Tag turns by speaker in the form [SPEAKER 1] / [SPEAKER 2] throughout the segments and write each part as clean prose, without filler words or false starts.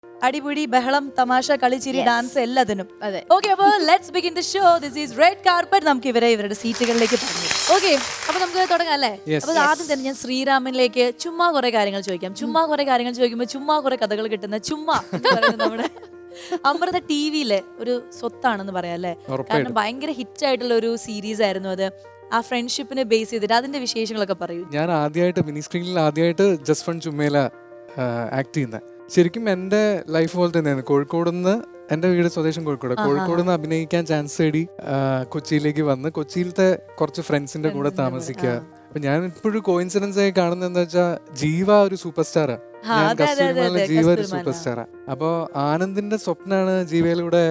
[SPEAKER 1] അടിപൊളി ബഹളം തമാശ കളിച്ചിരി ഡാൻസ് എല്ലാത്തിനും. ഓക്കെ, അപ്പോൾ let's begin the show. This is red carpet. നമുക്ക് ഇവരുടെ സീറ്റുകളിലേക്ക് പറഞ്ഞു. ഓക്കെ, അപ്പൊ നമുക്ക് തുടങ്ങാം അല്ലേ? അപ്പൊ ആദ്യം തന്നെ ഞാൻ ശ്രീരാമനിലേക്ക് ചുമ്മാ കുറെ കാര്യങ്ങൾ ചോദിക്കാം. ചുമ്മാ കുറെ കാര്യങ്ങൾ ചോദിക്കുമ്പോൾ ചുമ്മാ കുറെ കഥകൾ കിട്ടുന്ന ചുമ്മാ എന്ന് പറയുന്നത് നമ്മുടെ അമൃത ടിവിയിലെ ഒരു സ്വത്താണെന്ന് പറയാം അല്ലേ? കാരണം ഭയങ്കര ഹിറ്റ് ആയിട്ടുള്ള ഒരു സീരീസ് ആയിരുന്നു അത്. ആ ഫ്രണ്ട്ഷിപ്പിനെ ബേസ് ചെയ്തിട്ട് അതിന്റെ വിശേഷങ്ങളൊക്കെ പറയൂ.
[SPEAKER 2] ഞാൻ ആദ്യമായിട്ട് മിനി സ്ക്രീനിൽ ആദ്യമായിട്ട് ജസ്റ്റ് ഫൺ ചുമ്മേല ആക്ട് ചെയ്യുന്നത് ശരിക്കും എൻ്റെ ലൈഫ് പോലെ തന്നെയാണ്. കോഴിക്കോട് നിന്ന് എൻ്റെ വീട് സ്വദേശം കോഴിക്കോട് നിന്ന് അഭിനയിക്കാൻ ചാൻസ് തേടി കൊച്ചിയിലേക്ക് വന്ന് കൊച്ചിയിലത്തെ കുറച്ച് ഫ്രണ്ട്സിന്റെ കൂടെ താമസിക്കുക. അപ്പൊ ഞാൻ ഇപ്പോഴും കോയിൻസിഡൻസ് ആയി കാണുന്നത് എന്താ വെച്ചാൽ ജീവ ഒരു സൂപ്പർ സ്റ്റാറാ, ജീവ ഒരു സൂപ്പർ സ്റ്റാറാ. അപ്പൊ ആനന്ദിന്റെ സ്വപ്നാണ് ജീവയിലൂടെ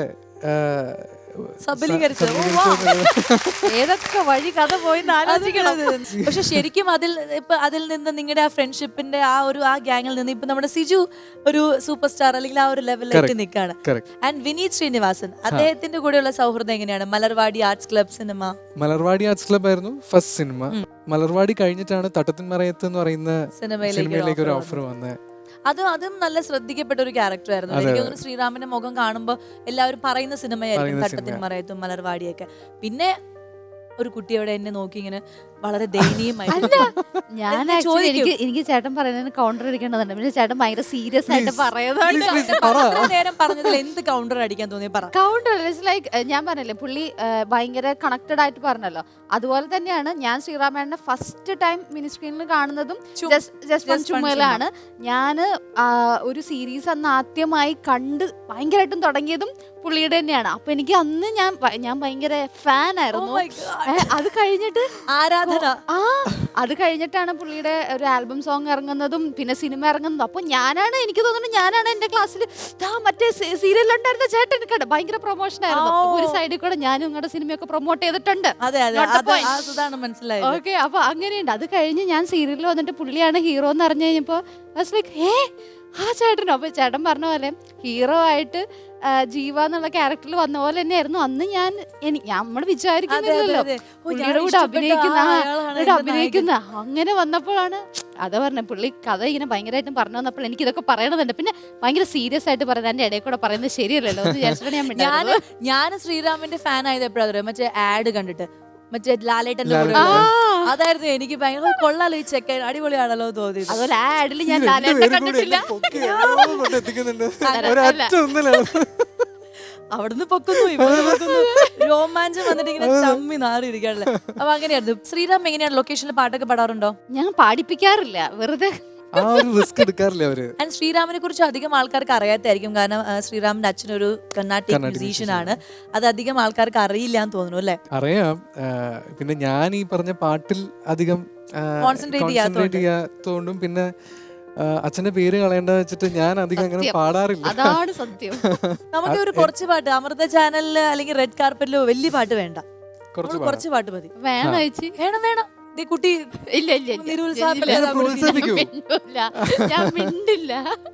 [SPEAKER 3] ഏതൊക്കെ വഴി കഥ പോയി ആലോചിക്കണം.
[SPEAKER 1] പക്ഷെ ശരിക്കും അതിൽ നിന്ന് നിങ്ങളുടെ ആ ഫ്രണ്ട്ഷിപ്പിന്റെ ആ ഗ്യാങ്ങിൽ നിന്ന് ഇപ്പൊ നമ്മുടെ സിജു ഒരു സൂപ്പർ സ്റ്റാർ അല്ലെങ്കിൽ ആ ഒരു ലെവലിലേക്ക് നിൽക്കാണ്. ആൻഡ് വിനീത് ശ്രീനിവാസൻ, അദ്ദേഹത്തിന്റെ കൂടെയുള്ള സൗഹൃദം എങ്ങനെയാണ്? Malarvadi arts club cinema.
[SPEAKER 2] Malarvadi arts club ആയിരുന്നു ഫസ്റ്റ് സിനിമ. മലർവാടി കഴിഞ്ഞിട്ടാണ് തട്ടത്തിൻ മറയത്ത് എന്ന് പറയുന്ന സിനിമയിലേക്ക് ഒരു ഓഫർ വന്നത്.
[SPEAKER 1] അതും നല്ല ശ്രദ്ധിക്കപ്പെട്ട ഒരു ക്യാരക്ടർ ആയിരുന്നു. എനിക്ക് തോന്നുന്നു ശ്രീരാമന്റെ മുഖം കാണുമ്പോൾ എല്ലാവരും പറയുന്ന സിനിമയായിരിക്കും തട്ടത്തിൻ മറയത്തും മലർവാടിയൊക്കെ. പിന്നെ ഒരു കുട്ടിയോടെ എന്നെ നോക്കി ഇങ്ങനെ വളരെ ദയനീയമായിട്ട്
[SPEAKER 3] ഞാൻ എനിക്ക് ചേട്ടൻ പറയുന്നതിന് കൗണ്ടർ അടിക്കേണ്ടതുണ്ട്. പിന്നെ ചേട്ടൻ ഭയങ്കര സീരിയസ് ആയിട്ട്
[SPEAKER 1] നേരം പറഞ്ഞതിൽ എന്ത് കൗണ്ടർ അടിക്കാൻ തോന്നി?
[SPEAKER 3] കൗണ്ടർ ലൈക്ക് ഞാൻ പറഞ്ഞല്ലേ, പുള്ളി ഭയങ്കര കണക്റ്റഡ് ആയിട്ട് പറഞ്ഞല്ലോ. അതുപോലെ തന്നെയാണ് ഞാൻ ശ്രീറാമേട്ടനെ ഫസ്റ്റ് ടൈം മിനി സ്ക്രീനിൽ കാണുന്നതും ജസ്റ്റ് ചുമലാണ്. ഞാൻ ഒരു സീരീസ് അന്ന് ആദ്യമായി കണ്ട് ഭയങ്കരമായിട്ടും തുടങ്ങിയതും പുള്ളിയുടെ തന്നെയാണ്. അപ്പൊ എനിക്ക് അന്ന് ഞാൻ ഭയങ്കര ഫാൻ ആയിരുന്നു. അത് കഴിഞ്ഞിട്ട് അത് കഴിഞ്ഞിട്ടാണ് പുള്ളിയുടെ ഒരു ആൽബം സോങ് ഇറങ്ങുന്നതും പിന്നെ സിനിമ ഇറങ്ങുന്നതും. അപ്പൊ എനിക്ക് തോന്നുന്നു ഞാനാണ് എന്റെ ക്ലാസ്സിൽ മറ്റേ സീരിയലുണ്ടായിരുന്ന ചേട്ടൻ കണ്ട ഭയങ്കര പ്രൊമോഷൻ ആയിരുന്നു. ഒരു സൈഡിൽ കൂടെ ഞാനും നിങ്ങളുടെ സിനിമയൊക്കെ പ്രൊമോട്ട് ചെയ്തിട്ടുണ്ട്. ഓക്കെ, അപ്പൊ അങ്ങനെയുണ്ട്. അത് കഴിഞ്ഞ് ഞാൻ സീരിയലിൽ വന്നിട്ട് പുള്ളിയാണ് ഹീറോ എന്ന് അറിഞ്ഞു കഴിഞ്ഞപ്പോ ആ ചേട്ടനോ. അപ്പൊ ചേട്ടൻ പറഞ്ഞ പോലെ ഹീറോ ആയിട്ട് ജീവ എന്നുള്ള ക്യാരക്ടറിൽ വന്ന പോലെ തന്നെയായിരുന്നു അന്ന് നമ്മൾ വിചാരിക്കുന്നില്ലല്ലോ പുള്ളിയുടെ കൂടെ അഭിനയിക്കുന്ന അങ്ങനെ വന്നപ്പോഴാണ് അതാ പറഞ്ഞ പുള്ളി കഥ ഇങ്ങനെ ഭയങ്കരമായിട്ടും പറഞ്ഞു വന്നപ്പോൾ എനിക്ക് ഇതൊക്കെ പറയണമെന്നുണ്ട്. പിന്നെ ഭയങ്കര സീരിയസ് ആയിട്ട് പറയുന്നത് എന്റെ ഇടയിൽ കൂടെ പറയുന്നത് ശരിയല്ലല്ലോ എന്ന് വിചാരിച്ചിട്ടാണ്
[SPEAKER 1] ഞാൻ ശ്രീരാമന്റെ ഫാൻ ആയത് എപ്പോഴാണ് മറ്റേ ആഡ് കണ്ടിട്ട്, മറ്റേ ലാലേട്ടന്റെ കൂടെ. അതായിരുന്നു എനിക്ക് ഭയങ്കര കൊള്ളാലോ ഈ ചെക്കൻ, അടിപൊളിയാണല്ലോ തോന്നി.
[SPEAKER 3] അതുപോലെ ആ ആഡിൽ ഞാൻ ലാലേട്ടനെ കണ്ടിട്ടില്ല.
[SPEAKER 1] അവിടുന്ന് പൊക്കുന്നു ഇവിടെ പൊക്കുന്നു, രോമാഞ്ചം വന്നിട്ട് ഇങ്ങനെ ചമ്മി നാറിയിരിക്കാണല്ലേ. അപ്പൊ അങ്ങനെയായിരുന്നു. ശ്രീറാം എങ്ങനെയാണ് ലൊക്കേഷനിൽ പാട്ടൊക്കെ പാടാറുണ്ടോ?
[SPEAKER 3] ഞാൻ പാടിപ്പിക്കാറില്ല, വെറുതെ.
[SPEAKER 1] ശ്രീരാമിനെ കുറിച്ച് അധികം ആൾക്കാർക്ക് അറിയാത്തായിരിക്കും. കാരണം ശ്രീരാമിന്റെ അച്ഛനൊരു കർണാട്ടിക് മ്യൂസീഷ്യൻ ആണ്. അത് അധികം ആൾക്കാർക്ക് അറിയില്ല എന്ന് തോന്നുന്നു അല്ലേ?
[SPEAKER 2] അറിയാം. പിന്നെ ഞാൻ ഈ പറഞ്ഞ പാട്ടിൽ അധികം കോൺസെൻട്രേറ്റ് ചെയ്യാത്തോണ്ടും പിന്നെ അച്ഛന്റെ പേര് കളയേണ്ട വെച്ചിട്ട് ഞാൻ അധികം അങ്ങനെ പാടാറില്ല.
[SPEAKER 3] അതാണ് സത്യം.
[SPEAKER 1] നമുക്ക് ഒരു കുറച്ച് പാട്ട് അമൃത ചാനലില് അല്ലെങ്കിൽ റെഡ് കാർപ്പറ്റിലോ വലിയ പാട്ട് വേണ്ട, കുറച്ച് പാട്ട് മതി. വേണം വേണം കുട്ടി.
[SPEAKER 3] ഇല്ല ഞാൻ മിണ്ടില്ല.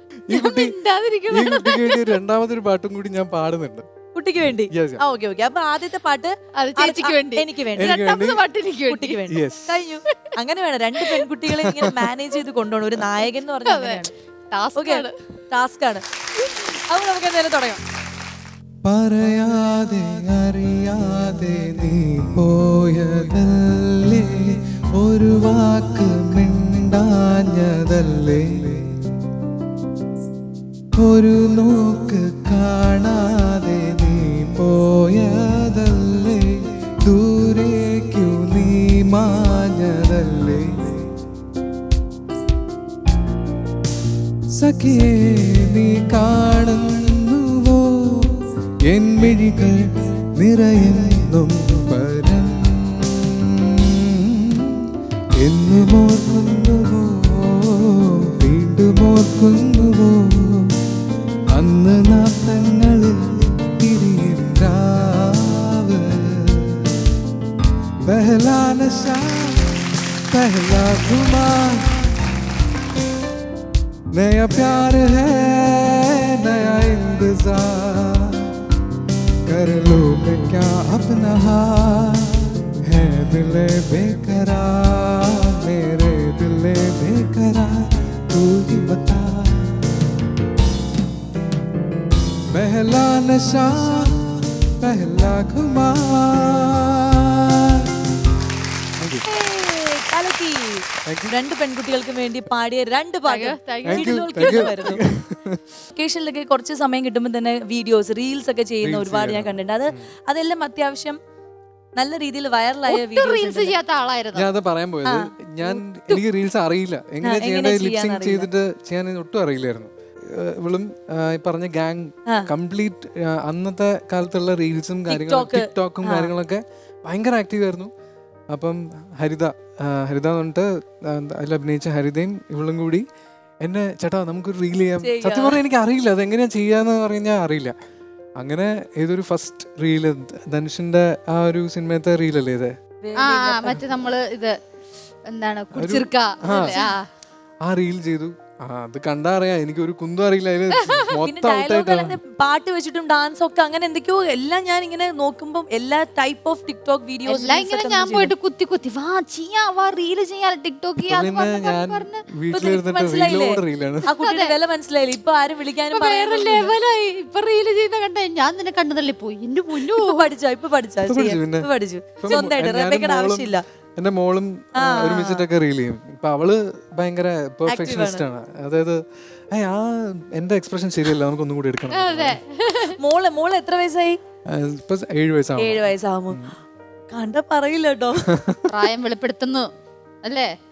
[SPEAKER 2] രണ്ടാമതൊരു പാട്ടും കൂടി ഞാൻ പാടുന്നുണ്ട്
[SPEAKER 1] കുട്ടിക്ക് വേണ്ടി. ഓക്കെ ഓക്കെ, അപ്പൊ ആദ്യത്തെ പാട്ട്
[SPEAKER 3] ചേച്ചിക്ക് വേണ്ടി,
[SPEAKER 1] എനിക്ക് വേണ്ടി,
[SPEAKER 3] രണ്ടാമത്തെ പാട്ട് കുട്ടിക്ക് വേണ്ടി.
[SPEAKER 1] കഴിഞ്ഞു. അങ്ങനെ വേണം, രണ്ട് പെൺകുട്ടികളെ ഇങ്ങനെ മാനേജ് ചെയ്ത് കൊണ്ടുപോകണം. ഒരു നായകൻ എന്ന് പറഞ്ഞാൽ ടാസ്ക് ആണ്. അപ്പൊ നമുക്ക് എന്തായാലും തുടങ്ങാം.
[SPEAKER 2] പറയാതെ അറിയാതെ നീ പോയതല്ലേ, ഒരു വാക്ക് മിണ്ടാഞ്ഞതല്ലേ, ഒരു നോക്ക് കാണാതെ നീ പോയതല്ലേ, ദൂരേക്കു നീ മാഞ്ഞതല്ലേ, സഖിയേ നീ കാണുന്നുവോ എൻ മിഴികൾ നിറയുന്നും പരം, എന്നും ഓർക്കുന്നുവോ വീണ്ടും ഓർക്കുന്നുവോ അന്ന് നാട്ടങ്ങളിൽ തിരിയും രാവ്, പെഹ്ലാ നശാ പെഹ്ലാ ഖുമാർ, नया प्यार है नया इंतजार, कर लो मैं क्या अपना हाल, है दिले बेकरार मेरे दिले बेकरार, तू ही बता पहला नशा पहला खुमार.
[SPEAKER 1] രണ്ട് പെൺകുട്ടികൾക്ക് വേണ്ടി പാടിയ രണ്ട് വെക്കേഷനിലൊക്കെ കുറച്ച് സമയം കിട്ടുമ്പോൾ തന്നെ വീഡിയോസ് റീൽസ് ഒക്കെ ചെയ്യുന്ന ഒരുപാട് ഞാൻ കണ്ടിട്ടുണ്ട്. അതെല്ലാം അത്യാവശ്യം നല്ല രീതിയിൽ വൈറലായ
[SPEAKER 3] റീൽസ് ചെയ്യാത്ത ആളായിരുന്നു.
[SPEAKER 2] ഞാൻ അത് പറയാൻ പോയത്. എനിക്ക് റീൽസ് അറിയില്ല, എങ്ങനെ ചെയ്യേണ്ടത് ലിപ്സിങ് ചെയ്തിട്ട് ചെയ്യാൻ ഒട്ടും അറിയില്ലായിരുന്നു. ഇവളും ഈ പറഞ്ഞ ഗാങ് കംപ്ലീറ്റ് അന്നത്തെ കാലത്തുള്ള റീൽസും കാര്യങ്ങളും ടിക്ടോക്കും കാര്യങ്ങളൊക്കെ ഭയങ്കര ആക്റ്റീവ് ആയിരുന്നു. അപ്പം ഹരിത എന്ന് പറഞ്ഞിട്ട് അതിൽ അഭിനയിച്ച ഹരിതയും ഇവളും കൂടി എന്നെ ചേട്ടാ നമുക്കൊരു റീൽ ചെയ്യാം. സത്യം പറഞ്ഞാൽ എനിക്ക് അറിയില്ല അതെങ്ങനെയാ ചെയ്യാന്ന് പറഞ്ഞാൽ അറിയില്ല. അങ്ങനെ ഏതൊരു ഫസ്റ്റ് റീല് ധനുഷിന്റെ ആ ഒരു സിനിമത്തെ റീലല്ലേ ഇത്,
[SPEAKER 3] മറ്റേ നമ്മള് ഇത് എന്താണ്
[SPEAKER 2] ആ റീൽ ചെയ്തു. അത് കണ്ടാ അറിയാം എനിക്ക് ഒരു കുന്തും അറിയില്ല.
[SPEAKER 1] പാട്ട് വെച്ചിട്ടും ഡാൻസ് ഒക്കെ അങ്ങനെ എന്തൊക്കെയോ എല്ലാം ഞാൻ ഇങ്ങനെ നോക്കുമ്പോൾ എല്ലാ ടൈപ്പ് ഓഫ് ടിക്ടോക്ക് വീഡിയോസ്
[SPEAKER 3] ഞാൻ പോയിട്ട് കുത്തി കുത്തി റീല് ചെയ്യാൻ ടിക്ടോക്ക്
[SPEAKER 1] മനസ്സിലായില്ല. ഇപ്പൊ ആരും വിളിക്കാനും
[SPEAKER 3] ഇപ്പൊ റീല് ചെയ്യുന്ന കണ്ട ഞാൻ തന്നെ കണ്ടതല്ലേ പോയി. എന്റെ പൊന്നു
[SPEAKER 1] പഠിച്ചു സ്വന്തമായിട്ട് ആവശ്യമില്ല.
[SPEAKER 2] എന്റെ മോളും ഒരുമിച്ചിട്ടൊക്കെ റീൽ ചെയ്യും. ഇപ്പൊ അവള് ഭയങ്കര പെർഫെക്ഷനിസ്റ്റ് ആണ്. അതായത് എന്റെ എക്സ്പ്രഷൻ ശരിയല്ല, നമുക്കൊന്നും കൂടി എടുക്കണം.
[SPEAKER 1] മോള് എത്ര വയസ്സായി?
[SPEAKER 2] ഇപ്പൊ 7 വയസ്സാവും.
[SPEAKER 1] 7 വയസ്സാവുമ്പോ കണ്ട പറയില്ല കേട്ടോ,
[SPEAKER 3] പ്രായം വെളിപ്പെടുത്തുന്നു അല്ലേ?